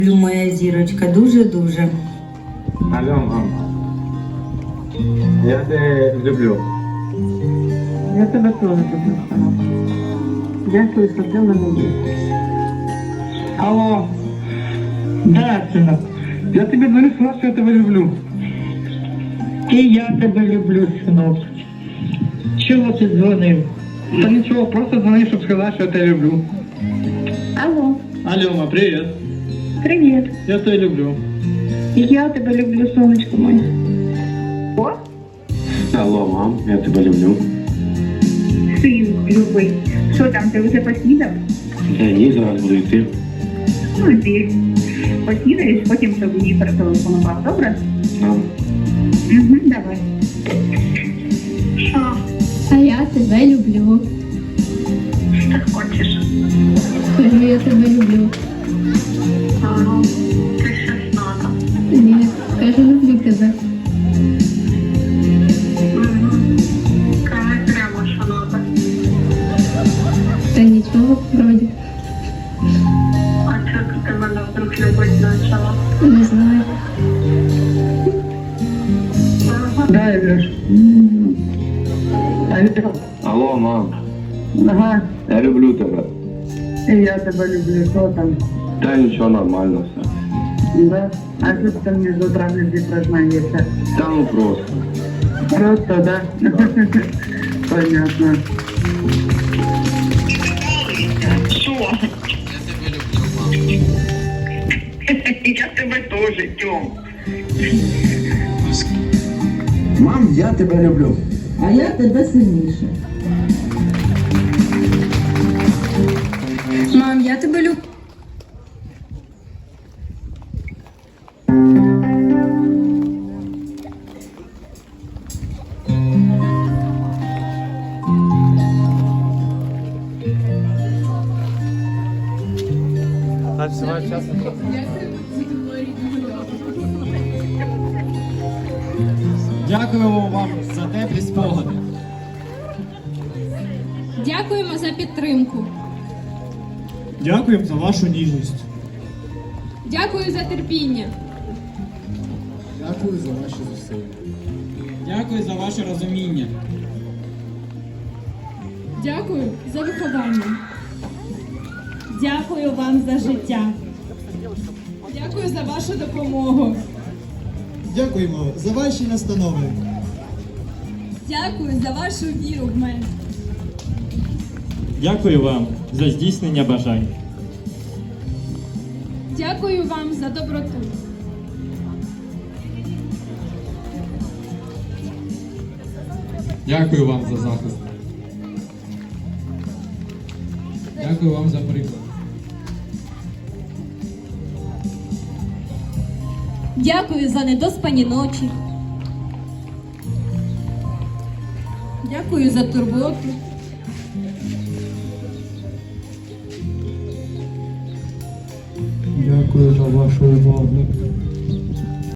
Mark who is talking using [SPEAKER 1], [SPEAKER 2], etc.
[SPEAKER 1] Люблю, моя зірочка, дуже-дуже.
[SPEAKER 2] Алло, мам. Я тебе люблю.
[SPEAKER 3] Я тебе теж люблю, синок. Дякую, що ти в мене є. Алло. Да, синок. Я тобі дзвоню, сказав, що я тебе люблю. І я тебе люблю, синок. Чого ти дзвонив? Та нічого, просто дзвонив, щоб сказати, що я тебе люблю.
[SPEAKER 4] Алло,
[SPEAKER 3] Алло, ма, привіт.
[SPEAKER 4] привіт.
[SPEAKER 3] Я тебе люблю.
[SPEAKER 4] І я тебе люблю, сонечко моє. О,
[SPEAKER 2] Алло, мам, я тебе люблю.
[SPEAKER 4] синку любий. Що там, ти вже поснідав?
[SPEAKER 2] Та ні, зараз буду йти.
[SPEAKER 4] Ну, ти поснідаєш, потім щоб мені перетелефонував, добре?
[SPEAKER 2] Мам.
[SPEAKER 4] Угу, давай. Що?
[SPEAKER 5] А я тебе люблю.
[SPEAKER 4] Так хочеш?
[SPEAKER 5] Скажи, я тебе люблю.
[SPEAKER 4] Ага. Ти щось надо.
[SPEAKER 5] Ні, скажу, люблю тебе.
[SPEAKER 4] Угу. Кажи прямо, що надо.
[SPEAKER 5] Та нічого, вроді.
[SPEAKER 4] А чого ти мене вдруг любить почала?
[SPEAKER 5] Не знаю.
[SPEAKER 4] Ага.
[SPEAKER 3] Да, Ілюш. Алло.
[SPEAKER 2] Алло, мам.
[SPEAKER 3] Ага.
[SPEAKER 2] Я люблю тебе.
[SPEAKER 3] І я тебе люблю, що там?
[SPEAKER 2] Та нічого, нормально все.
[SPEAKER 3] Да? А що ти мені з утра не признаєшся?
[SPEAKER 2] Та ну просто.
[SPEAKER 3] Просто, да? Понятно.
[SPEAKER 4] Що? Я тебе теж, Тьом.
[SPEAKER 6] Мам, я тебе люблю.
[SPEAKER 1] А я тебе сильніше. Мам, я тебе люблю.
[SPEAKER 7] Дякуємо вам за теплі спогади.
[SPEAKER 5] Дякуємо за підтримку.
[SPEAKER 7] Дякуємо за вашу ніжність.
[SPEAKER 5] Дякую за терпіння.
[SPEAKER 7] Дякую за ваші зусилля. Дякую за ваше розуміння.
[SPEAKER 5] Дякую за виховання. Дякую вам за життя. Дякую за вашу допомогу.
[SPEAKER 7] Дякуємо за ваші настанови.
[SPEAKER 5] Дякую за вашу віру в мене.
[SPEAKER 8] Дякую вам за здійснення бажань.
[SPEAKER 5] Дякую вам за доброту.
[SPEAKER 7] Дякую вам за захист. Дякую вам за приклад.
[SPEAKER 5] Дякую за недоспані ночі. Дякую за турботу.
[SPEAKER 7] Дякую за вашу увагу.